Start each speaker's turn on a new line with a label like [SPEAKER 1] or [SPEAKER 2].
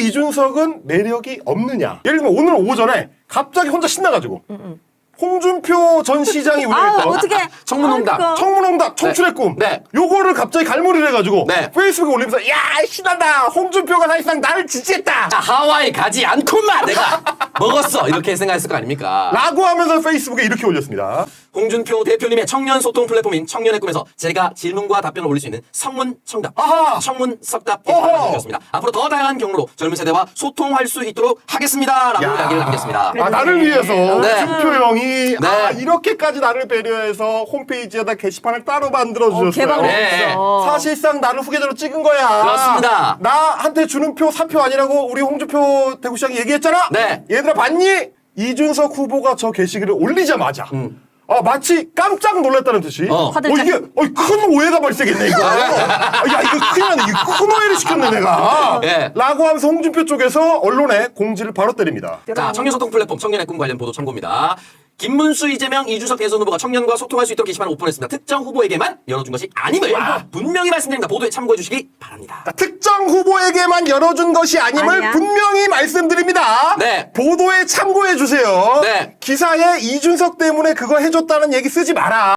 [SPEAKER 1] 이준석은 매력이 없느냐? 예를 들면 오늘 오전에 갑자기 혼자 신나가지고 홍준표 전 시장이 운영했던
[SPEAKER 2] 어떻게
[SPEAKER 3] 청문홍답.
[SPEAKER 1] 청문홍답 청출의 꿈
[SPEAKER 3] 네.
[SPEAKER 1] 요거를 갑자기 갈무리를 해가지고
[SPEAKER 3] 네.
[SPEAKER 1] 페이스북에 올리면서 야 신난다 홍준표가 사실상 나를 지지했다
[SPEAKER 3] 자, 하와이 가지 않고만 내가 먹었어. 이렇게 생각했을 거 아닙니까?
[SPEAKER 1] 라고 하면서 페이스북에 이렇게 올렸습니다.
[SPEAKER 3] 홍준표 대표님의 청년 소통 플랫폼인 청년의 꿈에서 제가 질문과 답변을 올릴 수 있는 성문청답,
[SPEAKER 1] 아하!
[SPEAKER 3] 청문석답 게시판을
[SPEAKER 1] 어허!
[SPEAKER 3] 남겼습니다. 앞으로 더 다양한 경로로 젊은 세대와 소통할 수 있도록 하겠습니다라고
[SPEAKER 1] 야.
[SPEAKER 3] 이야기를 남겼습니다.
[SPEAKER 1] 아, 나를 위해서
[SPEAKER 3] 네.
[SPEAKER 1] 홍준표 형이
[SPEAKER 3] 네.
[SPEAKER 1] 아, 이렇게까지 나를 배려해서 홈페이지에다 게시판을 따로 만들어주셨어요.
[SPEAKER 2] 개방을
[SPEAKER 3] 네.
[SPEAKER 2] 했어.
[SPEAKER 1] 사실상 나를 후계자로 찍은 거야.
[SPEAKER 3] 그렇습니다.
[SPEAKER 1] 나한테 주는 표 3표 아니라고 우리 홍준표 대구시장이 얘기했잖아.
[SPEAKER 3] 네.
[SPEAKER 1] 얘들아 봤니? 이준석 후보가 저 게시글을 올리자마자 아, 마치 깜짝 놀랐다는 듯이
[SPEAKER 2] 화들짝.
[SPEAKER 1] 이게 큰 오해가 발생했네 이거. 야 이거 큰일 나네. 이거 큰 오해를 시켰네 내가.
[SPEAKER 3] 예.
[SPEAKER 1] 라고 하면서 홍준표 쪽에서 언론에 공지를 바로 때립니다.
[SPEAKER 3] 자, 청년 소통 플랫폼 청년의 꿈 관련 보도 참고입니다. 김문수, 이재명, 이준석 대선 후보가 청년과 소통할 수 있도록 게시판을 오픈했습니다. 특정 후보에게만 열어준 것이 아님을 분명히 말씀드립니다. 보도에 참고해 주시기 바랍니다.
[SPEAKER 1] 자, 특정 후보에게만 열어준 것이 아님을
[SPEAKER 2] 아니야.
[SPEAKER 1] 분명히 말씀드립니다.
[SPEAKER 3] 네.
[SPEAKER 1] 보도에 참고해 주세요.
[SPEAKER 3] 네.
[SPEAKER 1] 기사에 이준석 때문에 그거 해줬다는 얘기 쓰지 마라.